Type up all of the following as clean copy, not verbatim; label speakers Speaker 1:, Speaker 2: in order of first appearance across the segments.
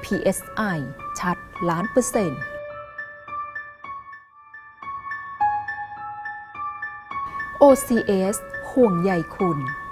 Speaker 1: PSI ชัด1,000,000%OCS ห่วงใยคุณ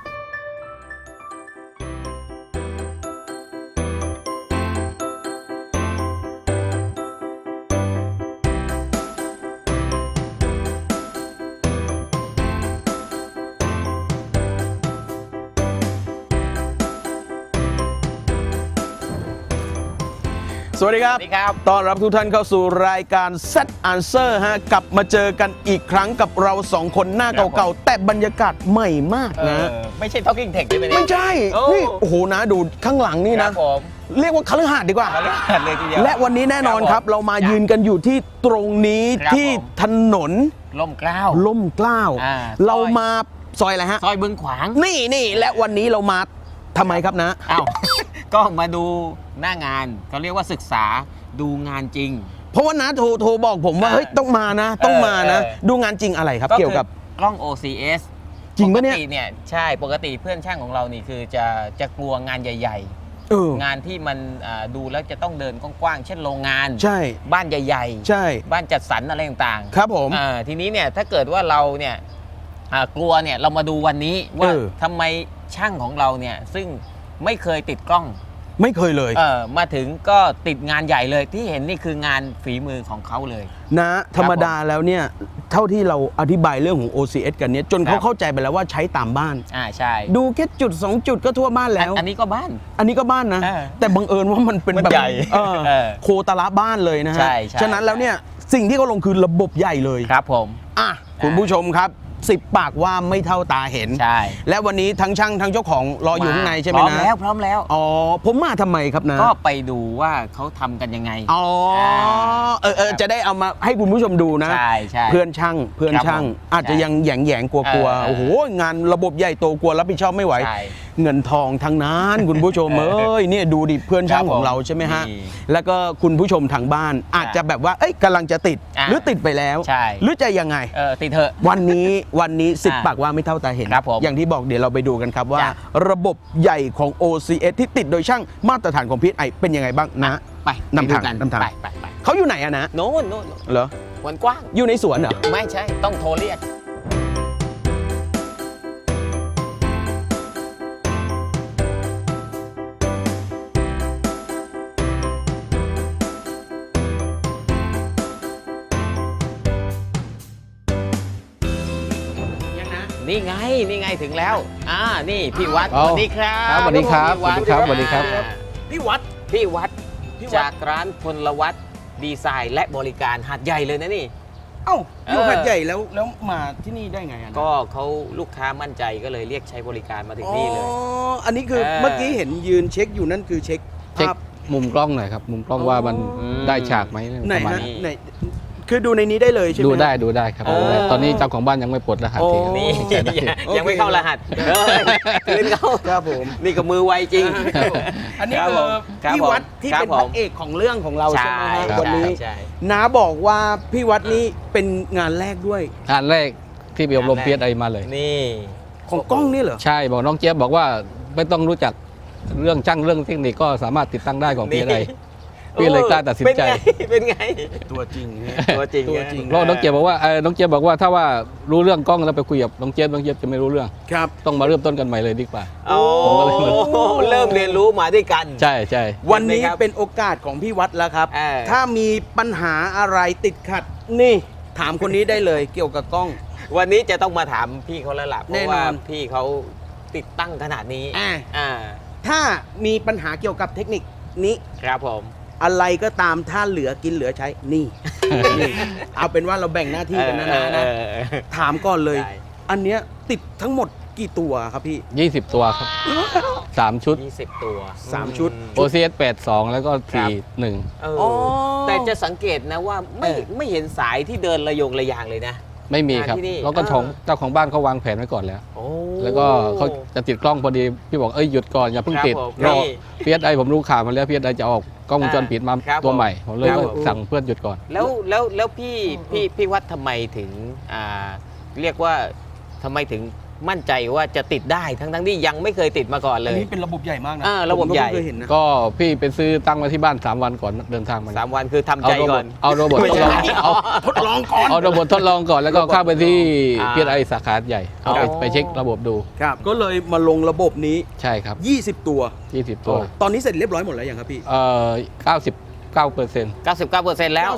Speaker 2: สวัสดีครับ ต้อนรับทุกท่านเข้าสู่รายการ Set Answer ฮะ กลับมาเจอกันอีกครั้งกับเราสองคนหน้าเก่าๆ แต่บรรยากาศใหม่มากนะ
Speaker 3: ไม่ใช่ Talking Tech ใช่ไหมเนี่ย
Speaker 2: ไม่ใช่ นี่โอ้โหนะดูข้างหลังนี่นะ
Speaker 3: ผม
Speaker 2: เรียกว่าคฤหาสน์ดีกว่า
Speaker 3: เลยทีเดียว
Speaker 2: และวันนี้แน่นอนครับ เรามายืนกันอยู่ที่ตรงนี้
Speaker 3: ครับ
Speaker 2: ที่ถนน
Speaker 3: ล่มเกล้า
Speaker 2: ล่มเกล้า
Speaker 3: อ่า
Speaker 2: เรามาซอยอะไรฮะ
Speaker 3: ซอยบึงขวาง
Speaker 2: นี่และวันนี้เรามาทำไมครับนะ
Speaker 3: อ้าว ก็มาดูหน้างานเขาเรียกว่าศึกษาดูงานจริง
Speaker 2: เพราะว่านะโทรบอกผมว่าเฮ้ยต้องมานะต้องมานะ ดูงานจริงอะไรครับ เกี่ยวกับ
Speaker 3: กล้อง OCS
Speaker 2: จริงปะเนี่ย
Speaker 3: ปกติเนี่ยใช่ปกติเพื่อนช่างของเรานี่คือจะกลัวงานใหญ่ ๆ งานที่มันดูแล้วจะต้องเดินกว้างๆเช่นโรงงาน
Speaker 2: ใช่
Speaker 3: บ้านใหญ่ๆ
Speaker 2: ใช่
Speaker 3: บ้านจัดสรรอะไรต่างๆ
Speaker 2: ครับผม
Speaker 3: ทีนี้เนี่ยถ้าเกิดว่าเราเนี่ยกลัวเนี่ยเรามาดูวันนี้ว่าทำไมช่างของเราเนี่ยซึ่งไม่เคยติดกล้อง
Speaker 2: ไม่เคยเลย
Speaker 3: มาถึงก็ติดงานใหญ่เลยที่เห็นนี่คืองานฝีมือของเขาเลย
Speaker 2: นะธรรมดาแล้วเนี่ยเท่าที่เราอธิบายเรื่องของ OCS กันเนี่ยจนเขาเข้าใจไปแล้วว่าใช้ตามบ้าน
Speaker 3: ใช่
Speaker 2: ดูแค่จุด2จุดก็ทั่วบ้านแล้ว
Speaker 3: อันนี้ก็บ้าน
Speaker 2: อันนี้ก็บ้านนะ แต่บังเอิญว่ามันเป็น
Speaker 3: มัน
Speaker 2: แบบ
Speaker 3: ใหญ่
Speaker 2: โคตรละบ้านเลยนะฮะ
Speaker 3: ใช่
Speaker 2: ฉะนั้นแล้วเนี่ยสิ่งที่เขาลงคือระบบใหญ่เลย
Speaker 3: ครับผม
Speaker 2: คุณผู้ชมครับ10 ปากว่าไม่เท่าตาเห็น
Speaker 3: ใช่
Speaker 2: และวันนี้ทั้งช่างทั้งเจ้าของรออยู่ข้างในใช่ไหมนะ
Speaker 3: พร้อมแล้ว
Speaker 2: อ๋อผมมาทำไมครับนะ
Speaker 3: ก็ไปดูว่าเขาทำกันยังไง
Speaker 2: อ๋อจะได้เอามาให้คุณผู้ชมดูนะ
Speaker 3: ใช่
Speaker 2: เพื่อนช่างอาจจะยังแหยงกลัวโอ้โหงานระบบใหญ่โตกลัวรับผิดชอบไม่ไหว
Speaker 3: ใช่
Speaker 2: เงินทองทั้งนั้นคุณผู้ชมเนี่ยดูดิเพื่อนช่างของเราใช่ไหมฮะ
Speaker 3: นี่
Speaker 2: แล้วก็คุณผู้ชมทางบ้านอาจจะแบบว่าเอ้ยกำลังจะติดหรือติดไปแล้ว
Speaker 3: ใช่
Speaker 2: หรือจะยังไง
Speaker 3: ติดเถอะ
Speaker 2: วันนี้10 ปากว่าไม่เท่าตาเห็น
Speaker 3: ครับผม
Speaker 2: อย่างที่บอกเดี๋ยวเราไปดูกันครับว่า
Speaker 3: จ้ะ
Speaker 2: ระบบใหญ่ของ OCS ที่ติดโดยช่างมาตรฐานของ PSI เป็นยังไงบ้างนะ
Speaker 3: ไป
Speaker 2: นำทาง
Speaker 3: ไปดูกัน
Speaker 2: นำทาง
Speaker 3: ไป
Speaker 2: เขาอยู่ไหนอะนะ
Speaker 3: โน่น
Speaker 2: เหรอ
Speaker 3: วันกว้าง
Speaker 2: อยู่ในสวนเหรอ
Speaker 3: ไม่ใช่ต้องโทรเรียก นี่ไงถึงแล้ว นี่พี่วัด
Speaker 4: อ๋อ
Speaker 3: สวัสดีครับ
Speaker 4: ครับสวัสดีครับ
Speaker 3: พี่วัด
Speaker 4: สวัสดีครับ
Speaker 2: พี่วัด
Speaker 3: พี่วัดจากร้านพลวัตดีไซน์และบริการหัดใหญ่เลยนะนี่
Speaker 2: เอ้าอยู่
Speaker 3: เออ
Speaker 2: หัดใหญ่แล้วมาที่นี่ได้ไงอะนะ
Speaker 3: ก็เขาลูกค้ามั่นใจก็เลยเรียกใช้บริการมาถึงนี่เลย
Speaker 2: อันนี้คือเมื่อกี้เห็นยืนเช็คอยู่นั่นคือเช็ค
Speaker 4: เช็ค
Speaker 2: ภาพ
Speaker 4: มุมกล้องหน่อยครับ มุมกล้องว่ามัน
Speaker 3: อืม
Speaker 4: ได้ฉากไหม
Speaker 2: ไหน
Speaker 4: ประมาณ
Speaker 2: ฮะ
Speaker 4: นี้
Speaker 2: ไหนคือดูในนี้ได้เลยใช่ไหม
Speaker 4: ดู
Speaker 2: ฮะ
Speaker 4: ได้ครับ
Speaker 3: เออ
Speaker 4: ตอนนี้เจ้าของบ้านยังไม่ปลดรหัส
Speaker 2: โอ้
Speaker 4: ที
Speaker 3: นี่
Speaker 4: ใช้ได้
Speaker 3: ยังไม่เข้ารหัสคืนเขา
Speaker 2: ครับผม
Speaker 3: นี่ก็มือไวจริง
Speaker 2: อันนี้
Speaker 3: ครับ
Speaker 2: คือ
Speaker 3: ผมครับ
Speaker 2: พี่วัดที่
Speaker 3: ครับ
Speaker 2: เป็นพ
Speaker 3: ผ
Speaker 2: ระ
Speaker 3: ม
Speaker 2: เอกของเรื่องของเราใช่ไหมฮะ
Speaker 4: ครับ
Speaker 2: วันนี้
Speaker 3: ใช่
Speaker 2: น้าบอกว่าพี่วัดนี่เป็นงานแรกด้วย
Speaker 4: งานแรกที่ไปอบรม PSI มาเลย
Speaker 3: นี่
Speaker 2: ของกล้องนี่เหรอ
Speaker 4: ใช่บอกน้องเจี๊ยบบอกว่าไม่ต้องรู้จักเรื่องช่างเรื่องเทคนิคก็สามารถติดตั้งได้ของ PSI พี่เลยกล้าตัดสินใจ
Speaker 3: เป็นไง
Speaker 2: ตัวจริง
Speaker 3: ตัวจริง
Speaker 2: ตัวจริง
Speaker 4: เพราะน้องเจี๊ยบบอกว่าน้องเจี๊ยบบอกว่าถ้าว่ารู้เรื่องกล้องแล้วไปคุยกับน้องเจี๊ยบจะไม่รู้เรื่อง
Speaker 2: ครับ
Speaker 4: ต้องมาเริ่มต้นกันใหม่เลยดีกว่า
Speaker 3: โอ้
Speaker 4: ผมก็เลยเหมือน
Speaker 3: เริ่มเรียนรู้มาด้วยกัน
Speaker 4: ใช่ใช่
Speaker 2: วันนี้
Speaker 3: เห็นไหมครับ
Speaker 2: เป็นโอกาสของพี่วัดแล้วครับ
Speaker 3: เออ
Speaker 2: ถ้ามีปัญหาอะไรติดขัดนี่ถามคนนี้ได้เลยเกี่ยวกับกล้อง
Speaker 3: วันนี้จะต้องมาถามพี่เขาแล้วล่ะเพ
Speaker 2: แน่
Speaker 3: ราะ
Speaker 2: นอน
Speaker 3: ว่าพี่เขาติดตั้งขนาดนี้ อ่า
Speaker 2: ถ้ามีปัญหาเกี่ยวกับเทคนิคนี้
Speaker 3: ครับผม
Speaker 2: อะไรก็ตามถ้าเหลือกินเหลือใช้นี่ นี่เอาเป็นว่าเราแบ่งหน้าที่กันนะนะ
Speaker 3: เออ
Speaker 2: ถามก่อนเลย
Speaker 3: ได้
Speaker 2: อันเนี้ยติดทั้งหมดกี่ตัวครับพี่
Speaker 4: 20 ตัวครับ 3 ชุด
Speaker 3: 20 ตัว
Speaker 2: 3 ชุด
Speaker 4: OCS 82 แล้วก็
Speaker 3: ครับ
Speaker 4: 41
Speaker 3: เออ
Speaker 2: อ๋อ
Speaker 3: แต่จะสังเกตนะว่าไม่เห็นสายที่เดินระยงระยางเลยนะ
Speaker 4: ไม่มีครับ
Speaker 3: ที่นี่
Speaker 4: แล้วก็เจ้าของบ้านเขาวางแผนไว้ก่อนแล้ว
Speaker 3: โอ้
Speaker 4: แล้วก็เขาจะติดกล้องพอดี พี่บอกหยุดก่อนอย่าเพิ่งติด
Speaker 3: ครับผม
Speaker 4: รอ
Speaker 3: นี่
Speaker 4: PSI ผมรู้ข่าวมาแล้ว PSI จะออกกล้องวงจรปิดมา
Speaker 3: ครับ
Speaker 4: ตัวใหม่ ผมเลย
Speaker 2: ครับ
Speaker 4: ว่า
Speaker 2: ผม
Speaker 4: สั่งเพื่อนหยุดก่อน
Speaker 3: แล้วพี่วัดทำไมถึงเรียกว่าทำไมถึงมั่นใจว่าจะติดได้ทั้งที่ยังไม่เคยติดมาก่อนเล
Speaker 2: อัน
Speaker 3: ย
Speaker 2: นี้เป็นระบบใหญ่มากนะ
Speaker 3: ระบบใหญ่
Speaker 2: ผมก็เพิ่งเคยเห็นนะ
Speaker 4: ก็พี่ไปซื้อตั้งไว้ที่บ้าน3 วันก่อนเดินทางมา
Speaker 3: 3 วันคือทำใจก่อน
Speaker 4: เอาโรบอท
Speaker 3: ไม่
Speaker 4: ทด
Speaker 3: ใช่
Speaker 4: ลองเอา
Speaker 2: ทดลองก่อน
Speaker 4: เอาโรบอททดลองก่อนแล้วก็เข้าไปที่
Speaker 3: อ่า
Speaker 4: PSI สาขาใหญ่เอา
Speaker 3: อ๋อ
Speaker 4: ไปเช็คระบบดู
Speaker 2: ครับก็เลยมาลงระบบนี้
Speaker 4: ใช่ครับ
Speaker 2: 20 ตัว
Speaker 4: 20 ตัว
Speaker 2: ตอนนี้เสร็จเรียบร้อยหมดแล้วยังครับพี่
Speaker 4: 99%
Speaker 3: 99%แล้ว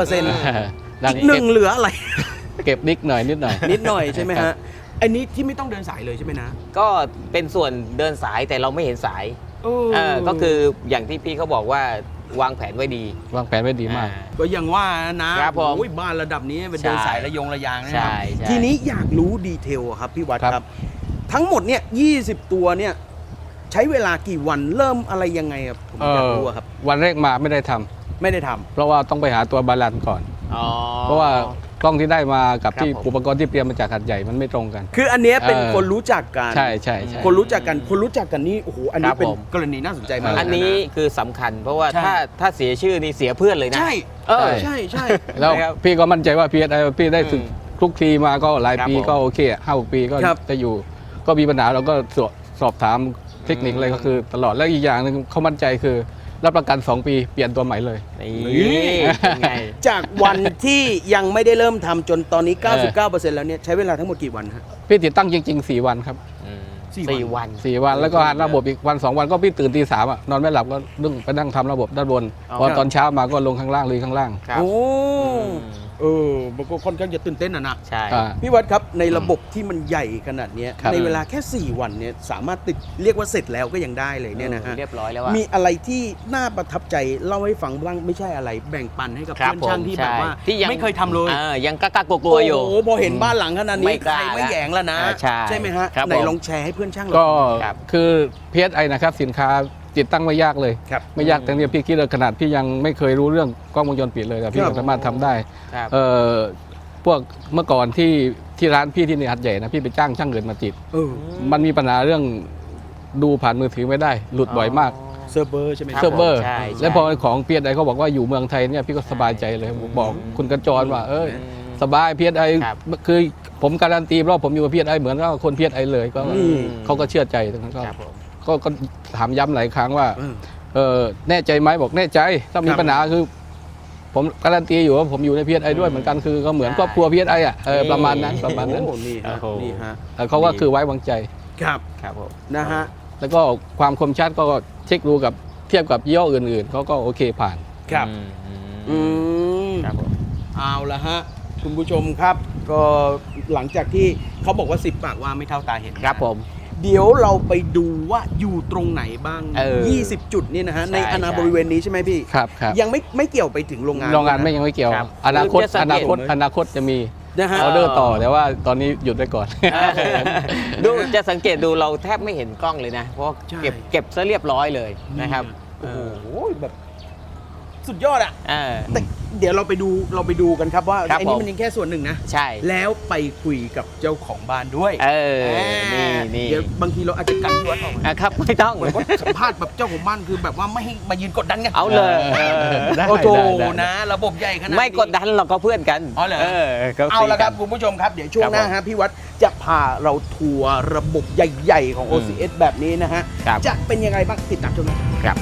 Speaker 2: 99%อีกหนึ่งเหลืออะไร
Speaker 4: เก็บนิดหน่อย
Speaker 2: นิดหน่อยใช่ไหมฮะอันนี้ที่ไม่ต้องเดินสายเลยใช่ไหมนะ
Speaker 3: ก็เป็นส่วนเดินสายแต่เราไม่เห็นสายก็คืออย่างที่พี่เขาบอกว่าวางแผนไว้ดี
Speaker 4: วางแผนไว้ดีมาก
Speaker 2: ก็ยังว่านะครับ
Speaker 3: ผม
Speaker 2: โอ้ยบ้านระดับนี้เป็นเดินสายระยงระยางนะค
Speaker 3: ใช่
Speaker 2: รับ
Speaker 3: ใช่
Speaker 2: ทีนี้อยากรู้ดีเทลอะครับพี่วัด
Speaker 4: ครับ
Speaker 2: ครับ ทั้งหมดเนี่ย20 ตัวเนี่ยใช้เวลากี่วันเริ่มอะไรยังไงครับผมอยากรู้อะครับ
Speaker 4: วันแรกมาไม่ได้ทำ
Speaker 2: ไม่ได้ทำ
Speaker 4: เพราะว่าต้องไปหาตัวบาลานซ์ก่อน
Speaker 3: อ๋อ
Speaker 4: เพราะว่ากล้องที่ได้มากับที่
Speaker 3: ครับผม
Speaker 4: อุปกรณ์ที่เตรียมมาจากหัดใหญ่มันไม่ตรงกัน
Speaker 2: คืออันเนี้ยเป็น
Speaker 4: เออ
Speaker 2: คนรู้จักกัน
Speaker 4: ใช่ใช่
Speaker 2: คนรู้จักกันนี่โอ้โหอันนี้
Speaker 3: ครับ
Speaker 2: เป็น
Speaker 3: ผม
Speaker 2: กรณีน่าสนใจมาก
Speaker 3: อันนี้คือสำคัญ เพราะว่า
Speaker 2: ใช่
Speaker 3: ถ้าเสียชื่อนี่เสียเพื่อนเลยนะ
Speaker 2: ใช่
Speaker 3: เออ
Speaker 2: ใช่ใช่
Speaker 4: แล้ว
Speaker 3: นะครับ
Speaker 4: พี่ก็มั่นใจว่า PSI พี่ได้ฝึก
Speaker 3: อืม
Speaker 4: คลุกคลีมาก็หลาย
Speaker 3: ครับ
Speaker 4: ปี
Speaker 3: ผม
Speaker 4: ก็โอเค5-6 ปีก็
Speaker 2: ครับ
Speaker 4: จะอยู่ ก็มีปัญหาเราก็สอบถามเทคนิคอะไรก็คือตลอดแล้วอีกอย่างหนึงเขามั่นใจคือรับประกัน 2 ปีเปลี่ยนตัวใหม่เลย
Speaker 3: นี่เป็นไง
Speaker 2: จากวันที่ยังไม่ได้เริ่มทำจนตอนนี้ 99%แล้วเนี่ยใช้เวลาทั้งหมดกี่วันฮะ
Speaker 4: พี่ติดตั้งจริง ๆ 4 วันครับ
Speaker 3: สี่วัน
Speaker 4: 4 วันแล้วก็หาระบบอีกวัน 2 วันก็พี่ตื่นตี 3นอนไม่หลับก็ดึงไปนั่งทำระบบด้านบน
Speaker 3: อ๋อ
Speaker 4: พอตอนเช้ามาก็ลงข้างล่างเลยข้างล่าง
Speaker 3: ครับ
Speaker 2: โอ้
Speaker 3: อืม
Speaker 2: มันก็ค่อนข้างจะตื่นเต้นนะ
Speaker 3: ใช่
Speaker 4: อ่า
Speaker 2: พี่วัดครับในระบบที่มันใหญ่ขนาดเนี้ย
Speaker 4: ครับ
Speaker 2: ในเวลาแค่ 4 วันเนี่ยสามารถติดเรียกว่าเสร็จแล้วก็ยังได้เลยเนี่ยนะฮะ
Speaker 3: เรียบร้อยแล้วอะ
Speaker 2: มีอะไรที่น่าประทับใจเล่าให้ฟังบ้างไม่ใช่อะไรแบ่งปันให้กับ
Speaker 3: ครับ
Speaker 2: เพื่อนช่างที่แบบว่า
Speaker 3: ใช่ที่ยัง
Speaker 2: ไม่เคยทำเลย
Speaker 3: ยังกล้ากลัวๆอยู่
Speaker 2: โอ้โหพอเห็นบ้านหลังขนาด
Speaker 3: ไม่
Speaker 2: นี้
Speaker 3: ก
Speaker 2: ใคร
Speaker 3: ล้า
Speaker 2: ไม่แหยงแล้วนะ
Speaker 3: ใช่
Speaker 2: ไหมฮะ
Speaker 3: ครับ
Speaker 2: ไหน
Speaker 3: ผม
Speaker 2: ลองแชร์ให้เพื่อนช่างเรา
Speaker 4: ก็
Speaker 3: ครับ
Speaker 4: คือ PSI นะครับสินค้าติดตั้งไม่ยากเลย
Speaker 2: ครับ
Speaker 4: ไม่ยากแต่เนี่ยพี่คิดว่าขนาดพี่ยังไม่เคยรู้เรื่องกล้องวงจรปิดเลยแต่พี่
Speaker 2: ครับ
Speaker 4: ก็สามารถทำได้
Speaker 3: ครับ
Speaker 4: พวกเมื่อก่อนที่ร้านพี่ที่ในหัดใหญ่นะพี่ไปจ้างช่างเงินมาติด
Speaker 2: เออ
Speaker 4: มันมีปัญหาเรื่องดูผ่านมือถือไม่ได้ หลุดบ่อยมาก
Speaker 2: เซิร์ฟเวอร์ใช่ไหม
Speaker 3: คบ
Speaker 4: เซิร์ฟเวอร์
Speaker 3: ใช่
Speaker 4: แล้วพอของเพียไอเขาบอกว่าอยู่เมืองไทยเนี่ยพี่ก็สบายใจเลยบอกคุณกระจรว่า สบายเพียไอ
Speaker 3: ครับ
Speaker 4: คือผมการันตีเพราะผมอยู่กับเพียไอเหมือนกับคนเพียไอเลยก็
Speaker 2: อืม
Speaker 4: เขาก็เชื่อใจตรงนั้นก็
Speaker 3: ครับผม
Speaker 4: ก็ถามย้ำหลายครั้งว่า
Speaker 2: เออ
Speaker 4: แน่ใจไหมบอกแน่ใจ ถ้ามี
Speaker 2: ครับ
Speaker 4: ปัญหาคือ ผมการันตีอยู่ว่าผมอยู่ในพีไอด้วยเหมือนกันคือก็เหมือนครอบครัวพีไออ่ะประมาณนั้นประมาณนั้น
Speaker 2: โอ้นี่ฮะ
Speaker 3: โอ้โห
Speaker 2: นี่ฮะ
Speaker 4: เขาก็คือไว้วางใจ
Speaker 2: ครับ
Speaker 3: ครับผม
Speaker 2: นะฮะ
Speaker 4: แล้วก็ความคมชัดก็เช็คดูกับเทียบกับยี่ห้ออื่นๆเขาก็โอเคผ่าน
Speaker 2: ครับ อืม
Speaker 3: ครับผม
Speaker 2: เอาละฮะคุณผู้ชมครับ ก็หลังจากที่เขาบอกว่า10 ปากว่าไม่เท่าตาเห็น
Speaker 3: ครับผม
Speaker 2: เดี๋ยวเราไปดูว่าอยู่ตรงไหนบ้าง 20 จุดนี่นะฮะ
Speaker 3: ใช่
Speaker 2: ในอาณา
Speaker 3: ใช่
Speaker 2: บริเวณนี้ใช่ไหมพี่
Speaker 4: ครับครับ
Speaker 2: ยังไม่เกี่ยวไปถึงโรงงาน
Speaker 4: โรงงาน
Speaker 2: ะ
Speaker 4: ไม่ยังไม่เกี่ยว
Speaker 3: ครับ
Speaker 4: อนาคต
Speaker 3: คือจะสั
Speaker 4: อง
Speaker 3: เกต
Speaker 4: นาคตจะมี
Speaker 2: นะฮะ
Speaker 4: ออเดอร์ต่อแต่ว่าตอนนี้หยุดไว้ก่อน
Speaker 3: ดูจะสังเกตดูเราแทบไม่เห็นกล้องเลยนะ เพราะว่า
Speaker 2: ใช่
Speaker 3: เก็บซะเรียบร้อยเลยนะครับ
Speaker 2: โอ้โหแบบสุดยอดอะ
Speaker 3: เออ
Speaker 2: แต่เดี๋ยวเราไปดูกันครับว่า
Speaker 3: ครับ
Speaker 2: ไอ้นี่
Speaker 3: ผม
Speaker 2: มันยังแค่ส่วนหนึ่งนะ
Speaker 3: ใช่
Speaker 2: แล้วไปคุยกับเจ้าของบ้านด้วย
Speaker 3: นี่
Speaker 2: เดี๋ยวบางทีเราอาจจะกันที่วัดออกมา
Speaker 3: ครับไม่ต้อง
Speaker 2: เหมือนว่าสัมภาษณ์แบบเจ้าของบ้านคือแบบว่าไม่ให้มายืนกดดันไง
Speaker 3: เอาเลย
Speaker 4: ได้
Speaker 2: โอ้โห
Speaker 4: ได้
Speaker 2: นะ ระบบใหญ่ขนาดนี้
Speaker 3: ไม่กดดันเราก็เพื่อนกัน
Speaker 2: อ๋อเหรอ
Speaker 3: ก็
Speaker 2: เอาละครับ
Speaker 3: ซีกัน
Speaker 2: คุณผู้ชมครับ เดี๋ยวช่วง
Speaker 3: ครับ
Speaker 2: หน้าฮะพี่วัดจะพาเราทัวร์ระบบใหญ่ๆของ OCS แบบนี้นะฮะ
Speaker 3: ครับ
Speaker 2: จะเป็นยังไงบ้างติดตามชมนะ
Speaker 3: ครับ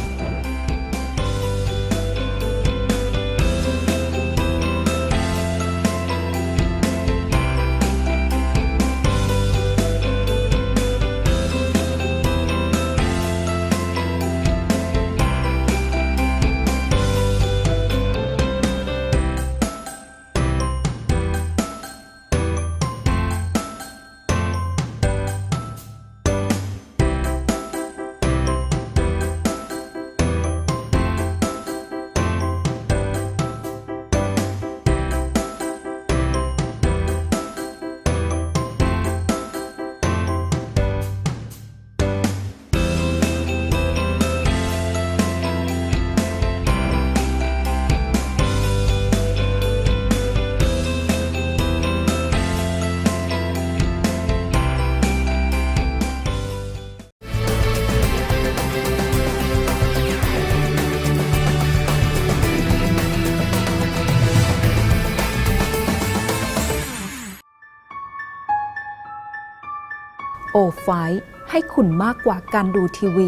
Speaker 1: ไฟให้คุณมากกว่าการดูทีวี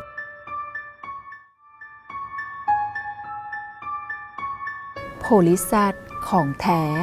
Speaker 1: โพลิแซดของแท้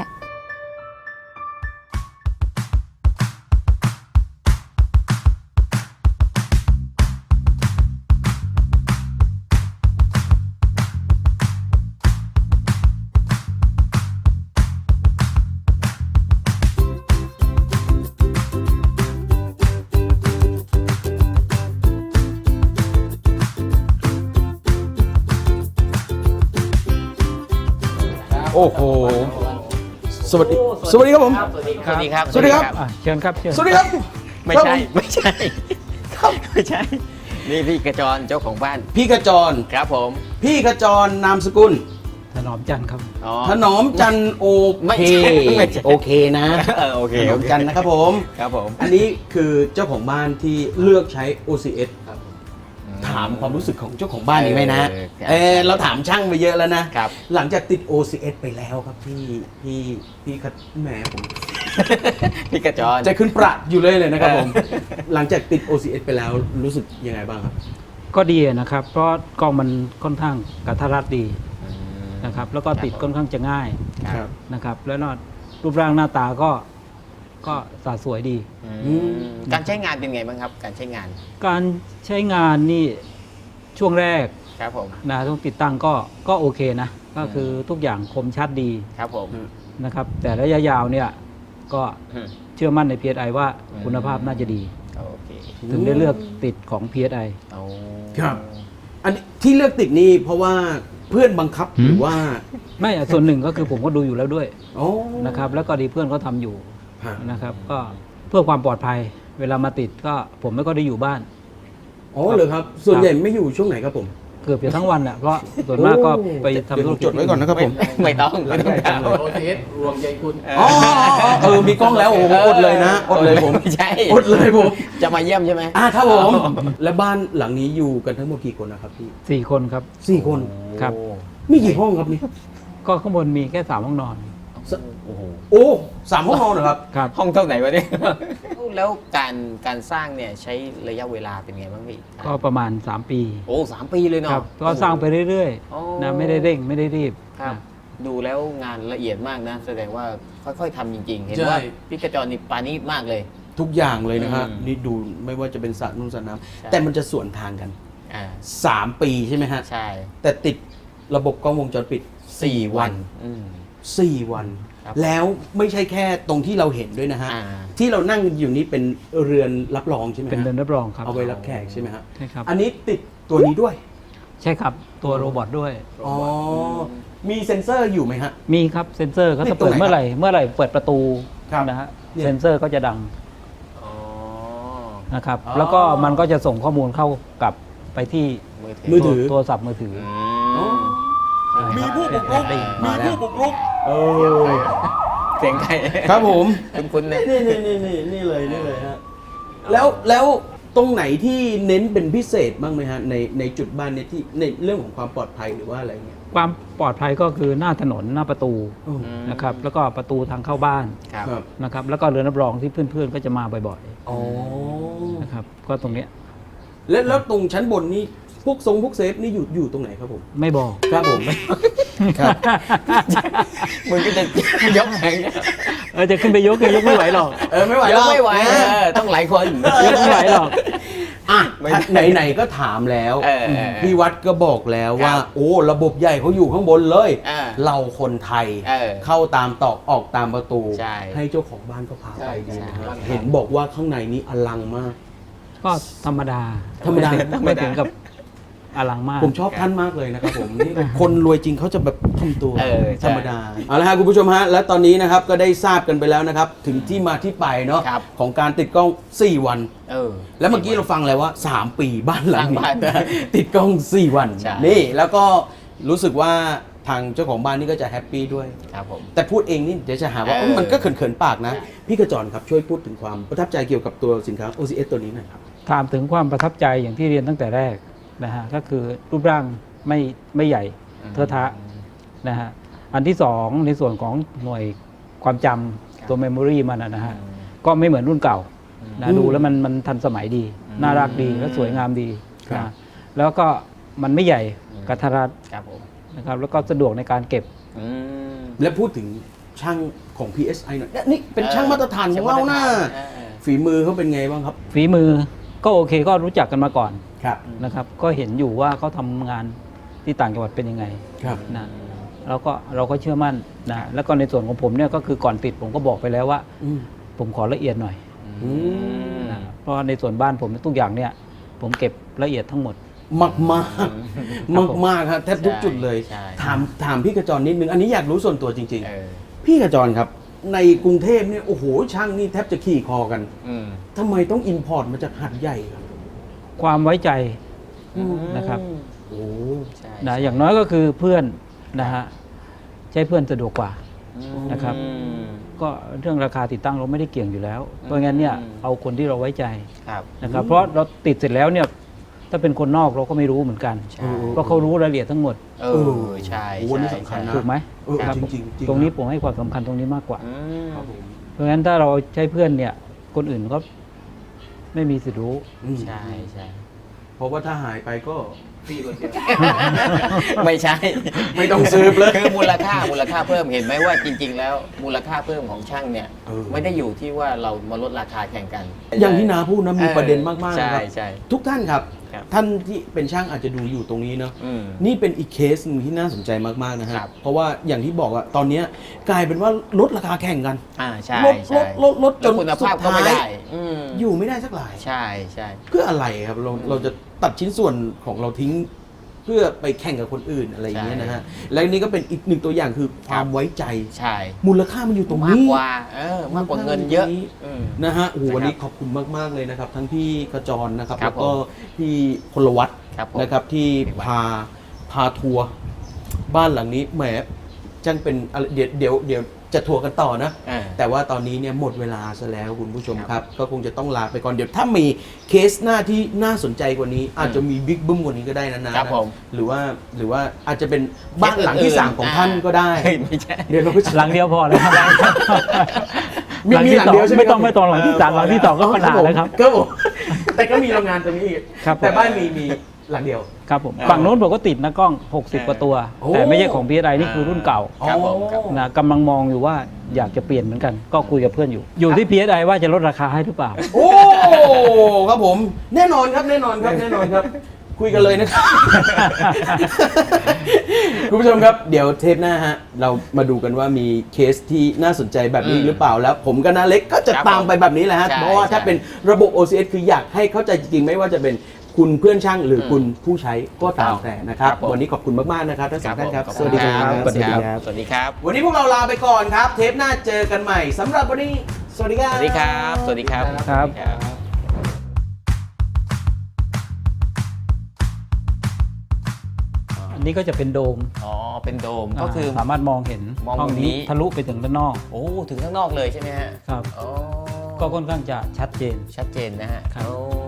Speaker 2: โอ้โห สวัสดี สวัสดีครับผม
Speaker 3: สวัสดีครับ
Speaker 2: สวัสดีครับ
Speaker 4: เชิญครับเชิญ
Speaker 2: สวัสดีครับ
Speaker 3: ไม่ใช่ไม่ใช่ไม่ใช่ นี่พี่กระจรเจ้าของบ้าน
Speaker 2: พี่ขจร
Speaker 3: ครับผม
Speaker 2: พี่ขจรนามสกุล
Speaker 4: ถนอมจันทร์ครับ
Speaker 3: อ๋อ
Speaker 2: ถนอมจันทร์โอ
Speaker 3: ไม่
Speaker 2: เค
Speaker 3: ใช่ไม่ใช่
Speaker 2: โอเคนะ
Speaker 3: โอเค
Speaker 2: ถนอมจันทร์นะครับผม
Speaker 3: ครับผม
Speaker 2: อันนี้คือเจ้าของบ้านที่เลือกใช้ OCS ถามความรู้สึกของเจ้าของบ้านนี้ไหมนะ เราถามช่างไปเยอะแล้วนะ
Speaker 3: ครับ
Speaker 2: หลังจากติด OCS ไปแล้วครับพี่แหมผม
Speaker 3: พี่กระจร
Speaker 2: ใจขึ้นประอยู่เลยนะครับผม หลังจากติด OCS ไปแล้วรู้สึกยังไงบ้างครับ
Speaker 5: ก็ดีนะครับ เพราะกล้องมันค่อนข้างกระทัดรัดดีนะครับ แล้วก็ติดค่อนข้างจะง่าย
Speaker 2: ครับ
Speaker 5: นะครับ แล้วรูปร่างหน้าตาก็สะสวยดี
Speaker 3: การใช้งานเป็นไงบ้างครับ การใช้งาน
Speaker 5: การใช้งานนี่ช่วงแรก
Speaker 3: ครับผม
Speaker 5: นะต้องติดตั้งก็โอเคนะ ก็คือทุกอย่างคมชัดดี
Speaker 3: ครับผม
Speaker 5: นะครับ แต่ระยะยาวเนี่ยก็
Speaker 3: อืม
Speaker 5: เชื่อมั่นใน PSI ว่าคุณภาพน่าจะดี
Speaker 3: โอเค
Speaker 5: ถึงได้เลือกติดของ PSI
Speaker 3: เอา
Speaker 2: ครับ อันนี้ที่เลือกติดนี่เพราะว่าเพื่อนบังคับหรือว่า
Speaker 5: ไม่ส่วนหนึ่งก็คือผมก็ดูอยู่แล้วด้วย
Speaker 2: โอ้
Speaker 5: นะครับ แล้วก็ดีเพื่อนเขาทำอยู่
Speaker 2: ฮะ
Speaker 5: นะครับก็เพื่อความปลอดภัย เวลามาติดก็ผมไม่ก็ได้อยู่บ้าน
Speaker 2: อ๋อเหรอครับ ส่วนใหญ่ไม่อยู่ช่วงไหนครับผม
Speaker 5: เกือบจะทั้งวันแหละเพราะส่วนมากก็ไปทำธุรกิจ
Speaker 2: จดไว้ก่อนนะครับผม
Speaker 3: ไม่ต้องไม่ต้องถาม
Speaker 2: อ๋อมีกล้องแล้วโอ้โหอดเลยนะอดเลยผม
Speaker 3: ไม่ใช่
Speaker 2: อดเลยผม
Speaker 3: จะมาเยี่ยมใช่ไหม
Speaker 2: ครับผม และบ้านหลังนี้อยู่กันทั้งหมดกี่คนนะครับพี่
Speaker 5: 4 คนครับ
Speaker 2: 4 คน
Speaker 5: ครับ
Speaker 2: มีกี่ห้องครับนี่
Speaker 5: ก็ข้างบนมีแค่3 ห้องนอน
Speaker 3: โอ้โห
Speaker 2: โอ้3 ห้องนอนเหรอครับ
Speaker 5: ครับ
Speaker 3: ห้องเท่าไหร่วะเนี่ย แล้วการสร้างเนี่ยใช้ระยะเวลาเป็นไงบ้างพี่
Speaker 5: ก็ประมาณ 3 ปี
Speaker 3: โอ้3 ปีเลยเนาะ
Speaker 5: ครับก็สร้างไปเรื่อย
Speaker 3: โอ้
Speaker 5: ๆนะไม่ได้เร่งไม่ได้รีบ
Speaker 3: ครับ
Speaker 5: นะ
Speaker 3: ดูแล้วงานละเอียดมากนะ แสดงว่าค่อยๆทำจริง ๆ เห็น
Speaker 2: ใช่
Speaker 3: ว่าพี่กระจรนี่ปานีตมากเลย
Speaker 2: ทุกอย่างเลยนะฮะ
Speaker 3: อืม
Speaker 2: นี่ดูไม่ว่าจะเป็นสระนุ่งสระน้
Speaker 3: ใช่
Speaker 2: ำแต่มันจะสวนทางกัน
Speaker 3: อ่า
Speaker 2: 3 ปีใช่ไหมฮะ
Speaker 3: ใช่
Speaker 2: แต่ติดระบบกล้องวงจรปิด 4 วัน
Speaker 3: อืม
Speaker 2: 4 วัน
Speaker 3: ครับ
Speaker 2: แล้วไม่ใช่แค่ตรงที่เราเห็นด้วยนะฮะ
Speaker 3: อ่า
Speaker 2: ที่เรานั่งอยู่นี้เป็นเรือนรับรองใช่ไหมฮะ
Speaker 5: เป็นเดินรับรองครับ
Speaker 2: เอาไว้รับแขกใช่ไหมฮะ
Speaker 5: ใช่ครับ
Speaker 2: อันนี้ติดตัวนี้ด้วย
Speaker 5: ใช่ครับตัวโรบอทด้วย
Speaker 2: อ๋อ มีเซ็นเซอร์อยู่ไหมฮะ
Speaker 5: มีครับเซ็นเซอร์เขา
Speaker 2: ติ
Speaker 5: จะ
Speaker 2: ดตรง
Speaker 5: เปิด
Speaker 2: ไหน
Speaker 5: เมื่อไหร่เปิดประตู
Speaker 2: ครับ
Speaker 5: นะฮะ
Speaker 2: เนี่ย
Speaker 5: เซ็นเซอร์ก็จะดัง
Speaker 3: อ๋อ
Speaker 5: นะครับ
Speaker 2: อ๋อ
Speaker 5: แล้วก็มันก็จะส่งข้อมูลเข้ากับไปที่
Speaker 2: มือถือ
Speaker 5: โทรศัพท์มือถือ
Speaker 2: มีผู้บุกรุก
Speaker 5: มาแล้ว
Speaker 2: เออ
Speaker 3: เสียงใคร
Speaker 2: ครับผม
Speaker 3: คุณเนี่ย
Speaker 2: นี่เลยฮะ แล้วตรงไหนที่เน้นเป็นพิเศษบ้างไหมฮะในจุดบ้านเนี่ยที่ในเรื่องของความปลอดภัยหรือว่าอะไรเงี้ย
Speaker 5: ความปลอดภัยก็คือหน้าถนนหน้าประตู
Speaker 2: อืม
Speaker 5: นะครับแล้วก็ประตูทางเข้าบ้าน
Speaker 3: ครับ
Speaker 2: ครับ
Speaker 5: นะครับแล้วก็เรือนรับรองที่เพื่อนๆก็จะมาบ่อย
Speaker 2: อ๋อ
Speaker 5: ๆนะครับก็ตรงเนี้ย
Speaker 2: แล้วตรงชั้นบนนี่พวกพวกเซฟนี่อยู่ตรงไหนครับผม
Speaker 5: ไม่บอก
Speaker 2: ครับผม ครับ
Speaker 3: มึงก็จะยกแข่งเนี่ย
Speaker 5: จะขึ้นไปยกไม่ไหวหรอก
Speaker 2: ไม่ไหวย
Speaker 3: ก
Speaker 2: รอก
Speaker 3: ไม่ไหวต้องหลายคน
Speaker 5: ยกไม่ไหวหรอก
Speaker 2: อ่ะไหนๆก็ถามแล้ว
Speaker 3: เออ
Speaker 2: พี่วัดก็บอกแล้วว่า
Speaker 3: ครับ
Speaker 2: โอ้ระบบใหญ่เขาอยู่ข้างบนเลย
Speaker 3: อ่า
Speaker 2: เราคนไทย
Speaker 3: เออ
Speaker 2: เข้าตามตอกออกตามประตู
Speaker 3: ใช่
Speaker 2: เจ้าของบ้านก็พาไปดีนะฮะ
Speaker 3: ใช่
Speaker 2: เห็นบอกว่าข้างในนี้อลังมาก
Speaker 5: ก็ธรรมดา
Speaker 2: ธรรมดา
Speaker 5: ไม่ถึงกับอลังมาก
Speaker 2: ผมชอบท่านมากเลยนะครับผมนี่คนรวยจริงเขาจะแบบทำตัว
Speaker 3: เออใช่
Speaker 2: ธรรมดาเอาละฮะคุณผู้ชมฮะและตอนนี้นะครับก็ได้ทราบกันไปแล้วนะครับ ถึงที่มาที่ไปเนาะ
Speaker 3: ครับ
Speaker 2: ของการติดกล้อง 4 วัน
Speaker 3: เออ
Speaker 2: แล้วเมื่อกี้เราฟังแล้วว่า 3 ปีบ้านหลัง
Speaker 3: สร้างบ้าน
Speaker 2: นี้ ติดกล้อง 4 วัน
Speaker 3: ใช่
Speaker 2: นี่แล้วก็รู้สึกว่าทางเจ้าของบ้านนี่ก็จะแฮปปี้ด้วย
Speaker 3: ครับผม
Speaker 2: แต่พูดเองนี่เดี๋ยวจะหาว่า
Speaker 3: เออ
Speaker 2: เอ้ยมันก็เขินๆปากนะ
Speaker 3: ใช่
Speaker 2: พี่กระจรครับช่วยพูดถึงความประทับใจเกี่ยวกับตัวสินค้า OCS ตัวนี้หน่อยครับ
Speaker 5: ถามถึงความประทับใจอย่างที่เรียนตั้งแต่แรกนะฮะก็คือรูปร่างไม่ใหญ่เทอะทะนะฮะอันที่สองในส่วนของหน่วยความจำตัวเมมโมรีมันนะฮะก็ไม่เหมือนรุ่นเก่านะดูแล้วมันทันสมัยดี น่ารักดีและสวยงามดี
Speaker 2: ครับ
Speaker 5: นะแล้วก็มันไม่ใหญ่กระทัดรัด
Speaker 3: ครับผม
Speaker 5: นะครับแล้วก็สะดวกในการเก็บ
Speaker 3: อืม
Speaker 2: และพูดถึงช่างของ PSI หน่อยเนี่ยนี่เป็นช่างมาตรฐานของเรานะ
Speaker 3: เออ
Speaker 2: ฝีมือเขาเป็นไงบ้างครับ
Speaker 5: ฝีมือก็โอเคก็รู้จักกันมาก่อน
Speaker 2: ครับ
Speaker 5: นะครับก็เห็นอยู่ว่าเขาทำงานที่ต่างจังหวัดเป็นยังไง
Speaker 2: ครับ
Speaker 5: นะเราก็เชื่อมั่นนะแล้วก็ในส่วนของผมเนี่ยก็คือก่อนติดผมก็บอกไปแล้วว่า
Speaker 2: อืม
Speaker 5: ผมขอละเอียดหน่อย
Speaker 2: อืม
Speaker 5: นะเพราะในส่วนบ้านผมทุกอย่างเนี่ยผมเก็บละเอียดทั้งหมด
Speaker 2: มากมากมากมากๆครับแทบทุกจุดเลย
Speaker 3: ใช่
Speaker 2: ถามพี่กระจรนิดนึง อันนี้อยากรู้ส่วนตัวจริง
Speaker 3: เออ
Speaker 2: ๆ พี่กระจรครับ ในกรุงเทพเนี่ยโอ้โหช่างนี่แทบจะขี่คอกัน
Speaker 3: อืม
Speaker 2: ทำไมต้องอินพอร์ตมาจากหัดใหญ่ครับ
Speaker 5: ความไว้ใจ นะครับ
Speaker 2: โอ้
Speaker 3: ใช่
Speaker 5: นะอย่างน้อยก็คือเพื่อนนะฮะใช้เพื่อนสะดวกกว่า นะครับ
Speaker 3: อืม
Speaker 5: ก็เรื่องราคาติดตั้งเราไม่ได้เกี่ยงอยู่แล้ว เพราะงั้นเนี่ยเอาคนที่เราไว้ใจ
Speaker 3: ครับ
Speaker 5: นะครับเพราะเราติดเสร็จแล้วเนี่ยถ้าเป็นคนนอกเราก็ไม่รู้เหมือนกัน
Speaker 3: ใช่
Speaker 5: เพราะเขารู้รายละเอียดทั้งหมด
Speaker 3: เออใช่
Speaker 2: โอ้นี่สำคัญนะ
Speaker 5: ถูกไหม
Speaker 2: เออ
Speaker 5: ครับ
Speaker 2: จริงๆจริง
Speaker 5: ตรงนี้ผมให้ความสำคัญตรงนี้มากกว่า
Speaker 3: อืม
Speaker 2: ครับผม
Speaker 5: เพราะงั้นถ้าเราใช้เพื่อนเนี่ย คนอื่นก็ไม่มีสิทธิ์รู้
Speaker 2: อืม
Speaker 3: ใช่ใช่
Speaker 2: เพราะว่าถ้าหายไปก็พี่คนเดียว
Speaker 3: ไม่ใช่
Speaker 2: ไม่ต้องซื้อเลย
Speaker 3: คือมูลค่าเพิ่มเห็นไหมว่าจริง ๆ แล้วมูลค่าเพิ่มของช่างเนี่ย
Speaker 2: เออ
Speaker 3: ไม่ได้อยู่ที่ว่าเรามาลดราคาแข่งกัน
Speaker 2: อย่างที่นาพูดนะมีประเด็นมากๆ
Speaker 3: ใช่
Speaker 2: นะครับ
Speaker 3: ใช่
Speaker 2: ทุกท่านครับ
Speaker 3: ครับ
Speaker 2: ท่านที่เป็นช่างอาจจะดูอยู่ตรงนี้เนาะ
Speaker 3: อืม
Speaker 2: นี่เป็นอีกเคสหนึ่งที่น่าสนใจมากๆนะฮะ
Speaker 3: ครับ
Speaker 2: เพราะว่าอย่างที่บอกอะตอนเนี้ยกลายเป็นว่าลดราคาแข่งกัน
Speaker 3: ใช่
Speaker 2: ลด
Speaker 3: ใช่
Speaker 2: ลดจ
Speaker 3: แล้ว
Speaker 2: น
Speaker 3: คุณ
Speaker 2: สุ
Speaker 3: ภาพ
Speaker 2: ด
Speaker 3: ก็ไม่
Speaker 2: ท้าย
Speaker 3: ได้ม
Speaker 2: อยู่ไม่ได้สักหลาย
Speaker 3: ใช่ใช่
Speaker 2: เพื่ออะไรครับเราจะตัดชิ้นส่วนของเราทิ้ง เพื่อไปแข่งกับคนอื่นอะไรอย่างเงี้ยนะฮะและนี่ก็เป็นอีกหนึ่งตัวอย่างคือความไว้ใจ
Speaker 3: ใช่
Speaker 2: มูลค่ามันอยู่ตรง
Speaker 3: มาก
Speaker 2: นี้
Speaker 3: กว่า มากกว่าเงินเยอะอืม
Speaker 2: นะฮะโอ้โห
Speaker 3: นะครับ
Speaker 2: วันนี้ขอบคุณมากๆเลยนะครับ ทั้งพี่กระจรนะครับ
Speaker 3: ครั
Speaker 2: แล้
Speaker 3: บ
Speaker 2: วก็พี่พลวัต
Speaker 3: ครับผม
Speaker 2: นะครับที่พาทัวร์บ้านหลังนี้แหมจังเป็นอะไรเดี๋ยวจะทัวร์กันต่อนะ
Speaker 3: อ่า
Speaker 2: แต่ว่าตอนนี้เนี่ยหมดเวลาซะแล้วคุณผู้ชมครับ ก็คงจะต้องลาไปก่อนเดี๋ยวถ้ามีเคสหน้าที่น่าสนใจกว่านี้ อาจจะมีบิ๊กบึ้มกว่านี้ก็ได้นะครับ
Speaker 3: ผม
Speaker 2: หรือว่าอาจจะเป็นบ้านหลังที่
Speaker 3: เคสอื่น
Speaker 2: 3 ของท่านก็ได้
Speaker 3: เฮ้ยไม่ใช่
Speaker 2: เดี๋ยวเราก็จะ
Speaker 5: หลังเดียวพอแล้วครับ
Speaker 2: มีหลังเดียวใช่ไหม
Speaker 5: ไม่ต้องหลังที่สามหลังที่สองก็ขนาดแล้วครับ
Speaker 2: ครับผมแต่ก็มีโรงงานตรงนี้อีก
Speaker 5: ครับผม
Speaker 2: แต่บ้านมีหลังเดียว
Speaker 5: ครับผมฝั่งโน้นผมก็ติดนะกล้อง 60 กว่าตัว
Speaker 2: โอ้
Speaker 5: แต่ไม่ใช่ของ PSI นี่คือรุ่นเก่า
Speaker 3: ครับผมครับ
Speaker 5: นะกำลังมองอยู่ว่าอยากจะเปลี่ยนเหมือนกัน ก็คุยกับเพื่อนอยู่ อยู่ที่ PSI ว่าจะลดราคาให้หรือเปล่า
Speaker 2: โอ้ครับผมแน่นอนครับแน่นอนครับ คุยกันเลยนะครับ คุณผู้ชมครับเดี๋ยวเทปหน้าฮะเรามาดูกันว่ามีเคสที่น่าสนใจแบบนี้หรือเปล่าแล้ว ผมกับน้าเล็กก็จะ
Speaker 3: ครับ
Speaker 2: ตามไปแบบนี้แหละฮะ
Speaker 3: ใช่
Speaker 2: เพราะว่าถ้า
Speaker 3: ใช่
Speaker 2: เป็นระบบ OCS คืออยากให้เข้าใจจริงๆ ไม่ว่าจะเป็นคุณเพื่อนช่างหรือคุณผู้ใช้ก็ตามแต่นะครับ
Speaker 3: ครับผม
Speaker 2: วันนี้ขอบคุณมากๆนะครับทั้งสองท่านครับ
Speaker 3: ผม
Speaker 2: สวัสดีครับ
Speaker 3: สวัสดีครับ สวัสดีครับ
Speaker 2: วันนี้พวกเราลาไปก่อนครับ เทปหน้าเจอกันใหม่สำหรับวันนี้สวัสดีครับ
Speaker 3: สวัสดีครับ สวัสดีครับ
Speaker 5: ครับ
Speaker 3: สวัสดีครับ
Speaker 5: อันนี้ก็จะเป็นโดม
Speaker 3: อ๋อ เป็นโดม ก็คือ
Speaker 5: สามารถมองเห็น
Speaker 3: มอง
Speaker 5: ห้อง
Speaker 3: มุมนี้
Speaker 5: นี้ทะลุไปถึงด้านนอก
Speaker 3: โอ้ ถึงข้างนอกเลยใช่ไหมฮะ
Speaker 5: ครับ
Speaker 3: อ๋อ
Speaker 5: ก็ค่อนข้างจะชัดเจน
Speaker 3: ชัดเจนนะฮะ
Speaker 5: ครับ
Speaker 3: โอ้